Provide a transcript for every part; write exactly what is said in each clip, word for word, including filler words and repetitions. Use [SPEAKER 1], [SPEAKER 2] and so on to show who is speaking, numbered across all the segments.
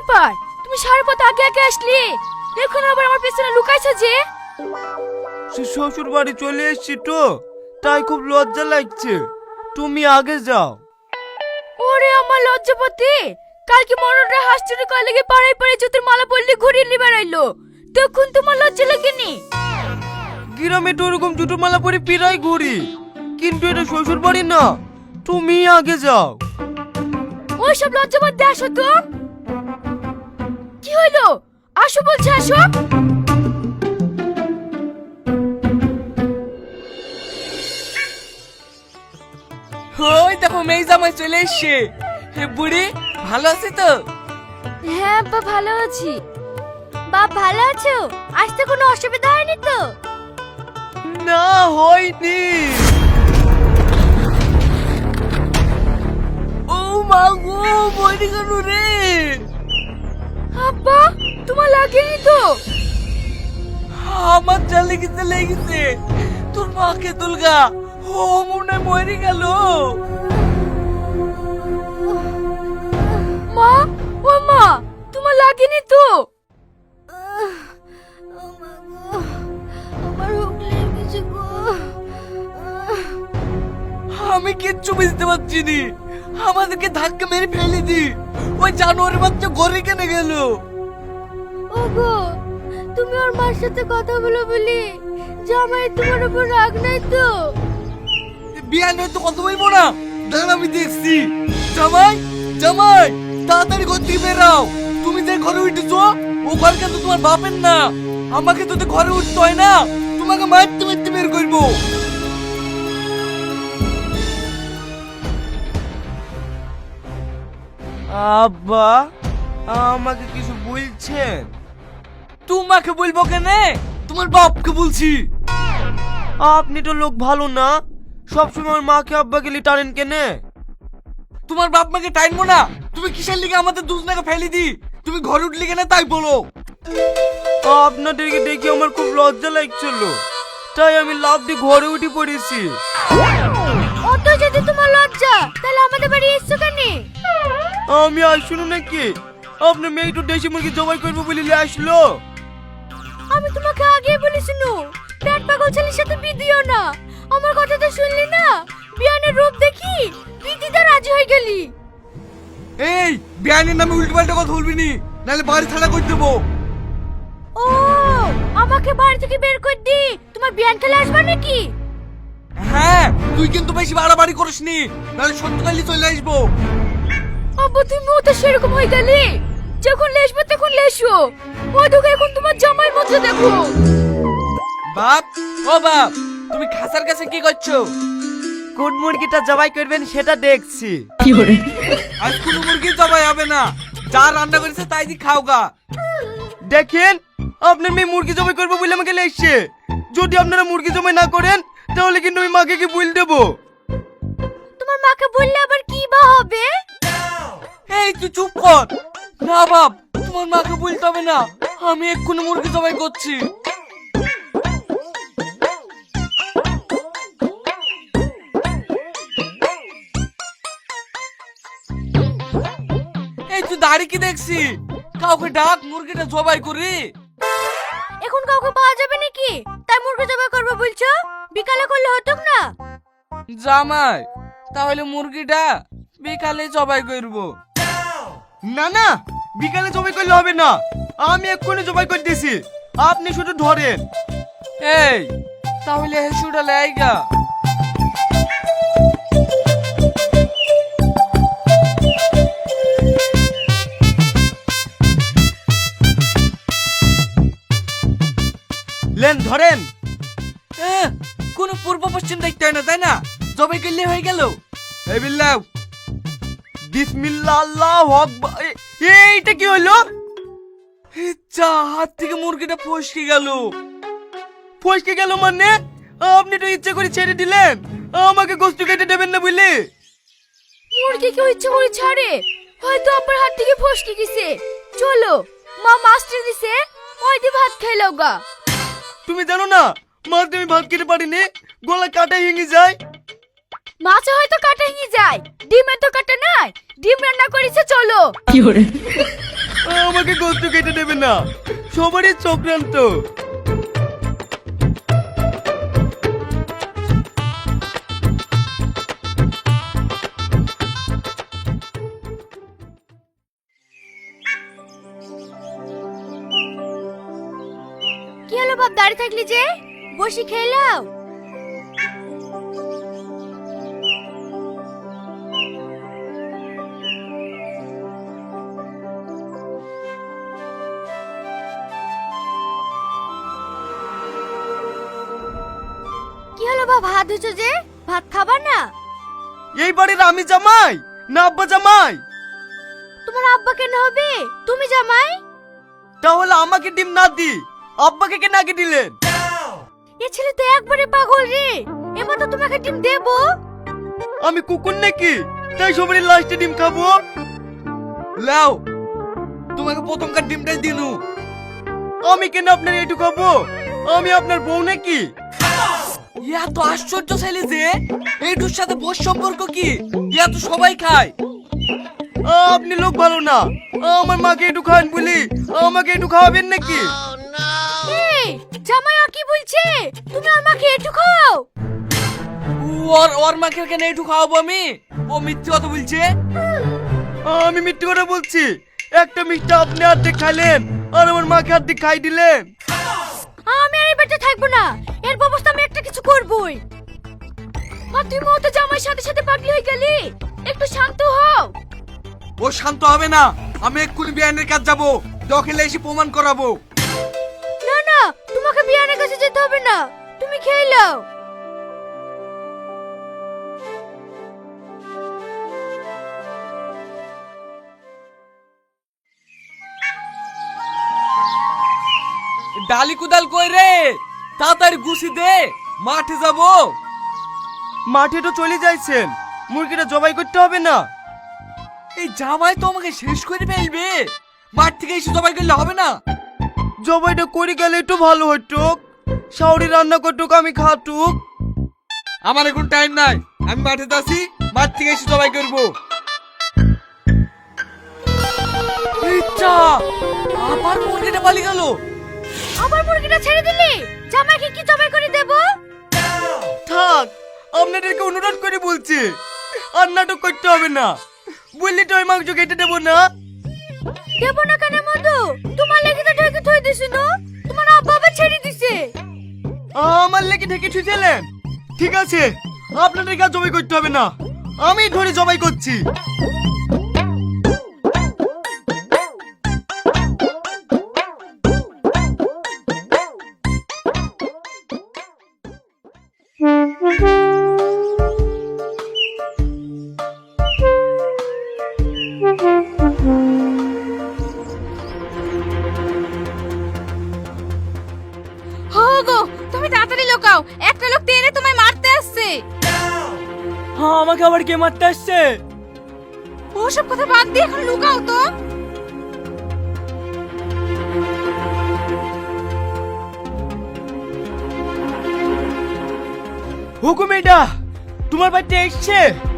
[SPEAKER 1] ব্যাপার, তুমি সারা পথ আগে আগে আসলে, এখন আবার আমার পেছনে লুকাইছো যে?
[SPEAKER 2] শ্বশুর বাড়ি চলে এসেছি তো, তাই খুব লজ্জা লাগছে। তুমি আগে যাও।
[SPEAKER 1] ওরে আমার লজ্জাপতি, কালকে মরণরা হাঁস চুরি করে লেগে পাড়ায় পাড়ায় জুতোর মালা পরলে ঘুরিয়ে নিয়ে বেড়াইলো, তখন তোমার লজ্জা লাগেনি?
[SPEAKER 2] গ্রামে তো ওরকম জুতো মালা পরে পিরাই ঘুরি, কিন্তু এটা শ্বশুর বাড়ি না। তুমি আগে যাও।
[SPEAKER 1] ওইসব লজ্জাবাদ দিয়ে আসো তো। কি হলো, আসো বলছে, আসো।
[SPEAKER 3] ওই দেখো মেয়ে জামাই চলে এসছে। হে বুড়ি, ভালো আছি তো?
[SPEAKER 1] হ্যাঁ আব্বা, ভালো আছি। বাপ ভালো আছো? আসতে কোনো অসুবিধা হয়নি তো?
[SPEAKER 2] না, হয়নি।
[SPEAKER 3] ও মা গো, মরে গেল রে।
[SPEAKER 1] আব্বা, তোমার লাগেনি তো?
[SPEAKER 3] আমার যা লেগেছে লেগেছে, তোর মাকে তুলগা, ও মনে মরে গেল।
[SPEAKER 1] মা, ও মা, তোমার লাগেনি তো? আমার হুক লেগেছে গো।
[SPEAKER 3] আমি কিচ্ছু বুঝতে পারছি নি, আমাদেরকে ধাক্কা মেরে ফেলে দি, ওই জানোয়ারের বাচ্চা ঘরে কেনে গেল।
[SPEAKER 1] ওগো, তুমি ওর মার সাথে কথা বলো বলি জামাই তোমার উপর রাগ নাই তো?
[SPEAKER 3] বিয়া নয় তো কথা বলবো না, দাঁড়া আমি দেখছি। জামাই, জামাই, তাড়াতাড়ি ঘর থেকে বেরাও। তুমি যে ঘরে উঠেছো, ও ঘর কিন্তু তোমার বাপের না। আমাকে তো ঘরে উঠতে হয় না, তোমাকে মারতে মারতে বের করবো।
[SPEAKER 2] আব্বা, আমাকে কিছু বলছেন?
[SPEAKER 3] তোমাকে বলবো কেনে, তোমার বাপকে বলছি।
[SPEAKER 2] আপনি তো লোক ভালো না, সবসময় আমার মাকে আব্বাকে লি টানেন কেনে?
[SPEAKER 3] তোমার বাপ মাকে টাইমবো না, তুমি কিসের লিগে আমাদের দুজনাকে ফেলে দি? তুমি ঘরে উঠলি কেন তাই বলো।
[SPEAKER 2] আপনাদেরকে দেখে আমার খুব লজ্জা লাগছিল, তাই আমি লাফ দিয়ে ঘরে উঠে পড়েছি।
[SPEAKER 1] অত যদি তোমার লজ্জা, তাহলে আমাদের বাড়ি এসছো কেন?
[SPEAKER 2] আমি আসুন নাকি? আপনার মেয়ে তো দেশি মুরগি জবাই করবো বলে নিয়ে আসলো।
[SPEAKER 1] আমি তোমাকে আগেই বলেছি নু, পেট পাগল ছেলের সাথে বিয়ে দিও না। আমার কথা তো শুনলি না, বিয়ানের রূপ দেখি বিদিতে রাজি হয়ে গেলি।
[SPEAKER 3] এই বিয়ানের নামে উল্টো পাল্টা কথা বলবি নি, নাহলে বাড়ি ছাড়া করে দেবো।
[SPEAKER 1] ও, আমাকে বাড়ি থেকে বের করে দি, তোমার বিয়ান খেলে আসবে নাকি?
[SPEAKER 3] হ্যাঁ, তুই কিন্তু বেশি বাড়াবাড়ি করিস নি, নাহলে সত্যকালে চলে আসবো।
[SPEAKER 1] আব্বু, তুমিও তো সেরকম হয়ে গেলি, যখন লেসবে তখন লেসো। ওই দেখো, এখন তোমার জামাই মজা দেখো।
[SPEAKER 3] বাপ, ও বাপ, তুমি খাসার কাছে কি করছো?
[SPEAKER 2] কোন মুরগিটা জবাই করবেন সেটা দেখছি।
[SPEAKER 3] আজ কোনো মুরগি জবাই হবে না, যা রান্না করেছে তাই দি খাও গা।
[SPEAKER 2] দেখেন, আপনার মেয়ে মুরগি জবাই করবো বলে আমাকে লেগছে। যদি আপনারা মুরগি জবাই না করেন, তাহলে কিন্তু আমি মাকে কি বল দেবো।
[SPEAKER 1] তোমার মাকে বললে আবার কি বা হবে?
[SPEAKER 3] এই তুই চুপ কর। না বাপ, তোমার মাকে বলতে হবে না, আমি এক্ষুনি মুরগি জবাই করছি। এই তুই দাড়ি কি দেখছি, কাউকে ডাক, মুরগিটা জবাই করি।
[SPEAKER 1] এখন কাউকে পাওয়া যাবে নাকি, তাই মুরগি জবাই করবে বলছো? বিকালে করলে হতো না?
[SPEAKER 3] জামাই, তাহলে মুরগিটা বিকালে জবাই করবো।
[SPEAKER 2] না না, বিকালে জবাই করলে হবে না, আমি এক্ষুনি জবাই করে দিছি, আপনি শুধু ধরেন।
[SPEAKER 3] এই তাহলে হেসুটা লাইগা।
[SPEAKER 2] লেন ধরেন।
[SPEAKER 3] এহ, কোনো পূর্ব পশ্চিম দেখতে হয় না, তাই না? জবাই করলে হয়ে গেল। এই বিল্লাহ,
[SPEAKER 2] বিসমিল্লাহ, আল্লাহু আকবার। এ- এইটা কি হলো?
[SPEAKER 3] যা, হাত থেকে মুরগিটা ফসকে গেল।
[SPEAKER 2] ফসকে গেল মানে? আপনি তো ইচ্ছে করে ছেড়ে দিলেন, আমাকে গোস্ত কেটে দেবেন না বুঝলি?
[SPEAKER 1] মুরগি কেউ ইচ্ছে করে ছাড়ে? হয়তো আপনার হাত থেকে ফসকে গেছে। চলো, মা মাছটা দিছে, ওই দিয়ে ভাত খাইলাও গা।
[SPEAKER 2] তুমি জানো না, মাছ দিয়ে আমি ভাত খেতে পারিনি, গলা কাটা ভেঙে যায়।
[SPEAKER 1] মাছে হয়তো কাটা ভেঙে যায়, ডিমের তো কাটা নাই। ডিম রান্না করেছে, চলো।
[SPEAKER 2] আমাকে গোস্ত কেটে দেবে না, সবারই চক্রান্ত।
[SPEAKER 1] কি হলো বাপ, দাঁড়িয়ে থাকলি যে? বসি খেয়ে নাও। কি হলো বাপ, হাত ধুছো যে? ভাত খাবার না?
[SPEAKER 2] এই বাড়ির আমি জামাই না আব্বা জামাই?
[SPEAKER 1] তোমার আব্বা কেন হবে? তুমি জামাই।
[SPEAKER 2] তাহলে আমাকে ডিম না দি আব্বাকে কেন আগে দিলেন?
[SPEAKER 1] এ ছেলে তো একবারে পাগল রে, এবার তো তোমাকে ডিম দেবো।
[SPEAKER 2] আমি কুকুর নাকি তাই সবারই লাস্টে ডিম খাবো?
[SPEAKER 3] লাও, তোমাকে প্রথমকার ডিমটাই দিনু।
[SPEAKER 2] আমি কেন আপনার এটু খাবো? আমি আপনার বউ নাকি?
[SPEAKER 3] ইয়া তো আশ্চর্য ছেলে যে, এইটুর সাথে বস সম্পর্ক কি? ইয়া তো সবাই খায়।
[SPEAKER 2] আপনি লোক ভালো না, আমার মাকে একটু খান বলি আমাকে একটু খাওয়াবেন নাকি?
[SPEAKER 1] এই জামাই আর কি বলছে? তুমি আর মাকে একটু খাও।
[SPEAKER 3] ওর ওর মাকে কেন একটু খাওয়াবো আমি? ও মিথ্যে কথা বলছে।
[SPEAKER 2] আমি মিথ্যে কথা বলছি? একটা মিষ্টি আপনি অর্ধেক খাইলেন আর আমার মাকে অর্ধেক খাই দিলেন।
[SPEAKER 1] আমি আর এই বাড়িতে থাকবো না, এর ব্যবস্থা আমি একটা কিছু করবই। আর তুমি তো জামাইয়ের সাথে সাথে পাগলি হয়ে গেলি, একটু শান্ত হও।
[SPEAKER 3] ও শান্ত হবে না, আমি এক্ষুনি বিয়ানের কাছে যাবো, দখলে এসে প্রমাণ করাবো।
[SPEAKER 1] না না, তোমাকে বিয়ানের কাছে যেতে হবে না, তুমি খেয়ে নাও।
[SPEAKER 3] ডালি কুদাল কই রে? তাড়াতাড়ি গুছি দে, মাঠে যাবো।
[SPEAKER 2] মাঠে তো চলে যাইছেন, মুরগিটা জবাই করতে হবে না?
[SPEAKER 3] এই জামাই তো আমাকে শেষ করে ফেলবে, মাঠ থেকে এসে জবাই করলে হবে না?
[SPEAKER 2] জবাইটা করে গেলে একটু ভালো হতো, শাওরি রান্না করতুক আমি খাতুক।
[SPEAKER 3] আমার এখন টাইম নাই, আমি মাঠে যাচ্ছি, মাঠ থেকে এসে জবাই করবো। ইচ্ছা, আবার মুরগিটা পালিয়ে গেল।
[SPEAKER 1] আবার মুরগিটা ছেড়ে দিলি, জামাইকে কি জবাই করে দেব?
[SPEAKER 2] থাক, আপনাদেরকে অনুরোধ করে বলছি, আর নাটক করতে হবে না, বললি তো ওই মাংস কেটে দেবো না।
[SPEAKER 1] দেব না কেন মধু? তোমার লেগে তো ঢেকে থই দিছি না, তোমার আব্বা আবার ছেড়ে দিছে।
[SPEAKER 2] আমার লেগে ঢেকে ছুঁয়েছিলেন? ঠিক আছে, আপনাদেরকে আর জবাই করতে হবে না, আমি ধরে জবাই করছি।
[SPEAKER 1] গো, তুমি তাড়াতাড়ি লুকাও, একটা লোক টেনে তোমায় মারতে আসছে।
[SPEAKER 2] হ্যাঁ, আমাকে আবার কে মারতে আসছে?
[SPEAKER 1] ওসব কথা বাদ দিয়ে এখন লুকাও তো।
[SPEAKER 2] হুকুম, এটা তোমার বাড়িতে এসছে?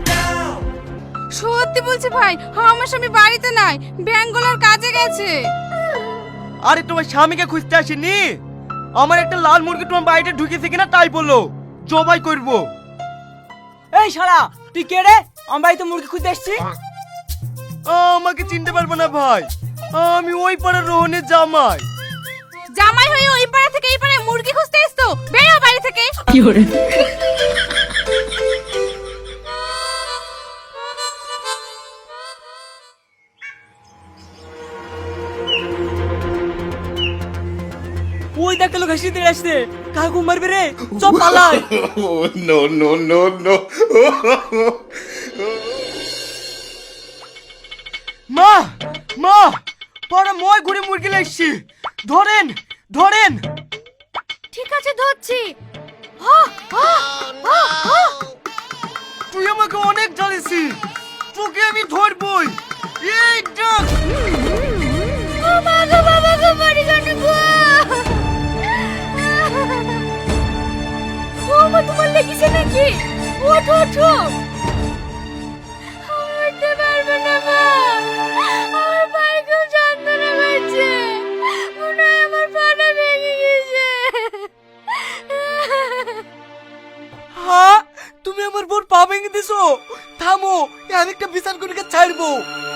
[SPEAKER 1] সত্যি বলছি ভাই, আমার স্বামী বাড়িতে নাই, ব্যাঙ্গালোর কাজে গেছে।
[SPEAKER 2] আরে তোমার স্বামীকে খুঁজতে আসেনি, আমার একটা লাল মুরগি তোমার বাড়িতে ঢুকেছে কিনা তাই বলো, জবাই করব।
[SPEAKER 4] এই শালা, তুই কে রে? আমার বাড়িতে মুরগি খুঁজতে এসছি।
[SPEAKER 2] আমাকে চিনতে পারবো না ভাই, আমি ওই পাড়ার রোহনের জামাই।
[SPEAKER 1] জামাই হয়ে ওই পাড়া থেকে এই পাড়ায় মুরগি খুঁজতে এসছো? বেরো বাড়ি থেকে।
[SPEAKER 4] কি করে? ওই দেখতে লোক হাসি দিয়ে আসছে, কাকু মারবে রে, চল পালাই।
[SPEAKER 5] Oh, no, no, no, no.
[SPEAKER 2] মা, মা, পাড়া মই ঘুরে মুরগি লাগছি, ধরেন, ধরেন।
[SPEAKER 1] ঠিক আছে, ধরছি। আহ, আহ, আহ, আহ।
[SPEAKER 2] তুই আমাকে অনেক জ্বালিয়েছি, তোকে আমি ধরবই। এই ডাক।
[SPEAKER 1] ও মা গো, বাবা গো, মরে গেল গো। ও মা, তোমার লেগেছে নাকি? ওঠো, ওঠো। আমি উঠতে পারবো না মা, আমার পায়ে খুব যন্ত্রণা
[SPEAKER 3] করছো? থামো, আরেকটা বিচার করে ছাড়বো।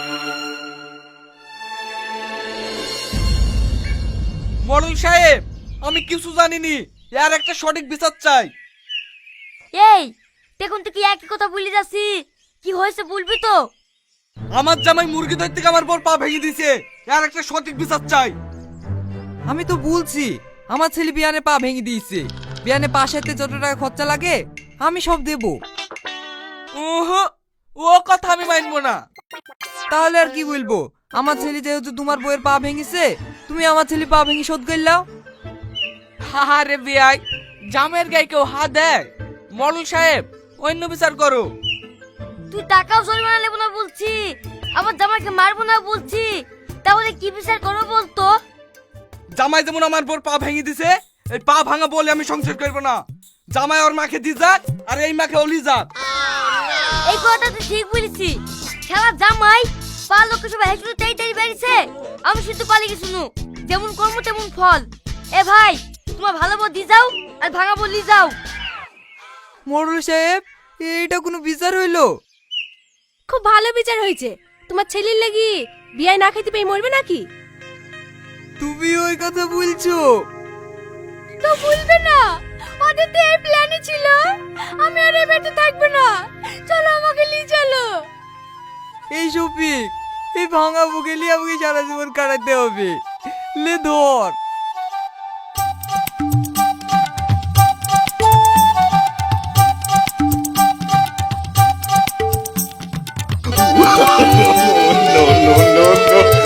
[SPEAKER 3] মডেল সাহেব, আমি কিছু জানিনি, এর একটা সঠিক বিচার চাই।
[SPEAKER 1] এই দেখুন তো কি একই কথা বলে যাচ্ছি, কি হয়েছে বলবি তো?
[SPEAKER 3] আমার জামাই মুরগি ধরতে থেকে আমার বর পা ভেঙে দিয়েছে, এর একটা সঠিক বিচার চাই।
[SPEAKER 4] আমি তো বলছি আমার ছেলে বিয়ানে পা ভেঙে দিয়েছে, বিয়ানে পা সারতে যত টাকা খরচা লাগে আমি সব দেব।
[SPEAKER 3] ওহো, ও কথা আমি মানবো না।
[SPEAKER 4] তাহলে আর কি বলবো, আমার ছেলে যেহেতু তোমার বউয়ের পা ভেঙেছে, তুমি আমার ছেলে পা ভেঙে শোধ করলাও।
[SPEAKER 3] আরে বিয়াই, জামের গায়ে কেউ হাত দেয়? মডেল সাহেব, অন্য বিচার করো।
[SPEAKER 1] তুই টাকাও জরিমানা নেবো না বলছি, আমার জামাইকে মারবো না বলছি, তাহলে কি বিচার করবো বলতো?
[SPEAKER 3] জামাই যেমন আমার বর পা ভেঙে দিছে, এই পা ভাঙা বলে আমি সংসার করবো না। জামাই ওর মাকে দি যাক, আর এই মাকে অলি যাক।
[SPEAKER 1] এই কথা তুই ঠিক বলেছি, খেলা জামাই পা লোক সবাই হেসে তাই তাই বেরিয়েছে, আমি শুধু পালিয়ে গেছি নু, যেমন কর্ম তেমন ফল। এ ভাই, তোমার ভালো বল দি যাও আর ভাঙা বললি যাও।
[SPEAKER 4] মোড়ল সাহেব, এটা কোনো বিচার হইলো?
[SPEAKER 6] খুব ভালো বিচার হয়েছে। তোমার ছেলের লাগি বিয়ায় না খেতে পেয়ে মরবে নাকি?
[SPEAKER 4] তুমি ওই কথা বলছো?
[SPEAKER 1] তো বলবে না, ওদের তো এই প্ল্যানই ছিল, আমি আর এই বাড়িতে থাকবো না, চলো আমাকে নিয়ে চলো।
[SPEAKER 4] এই শফিক, এই ভাঙা বুকে নিয়ে আমাকে সারা জীবন কাটাতে হবে। লে ধর।
[SPEAKER 5] no, no, no, no.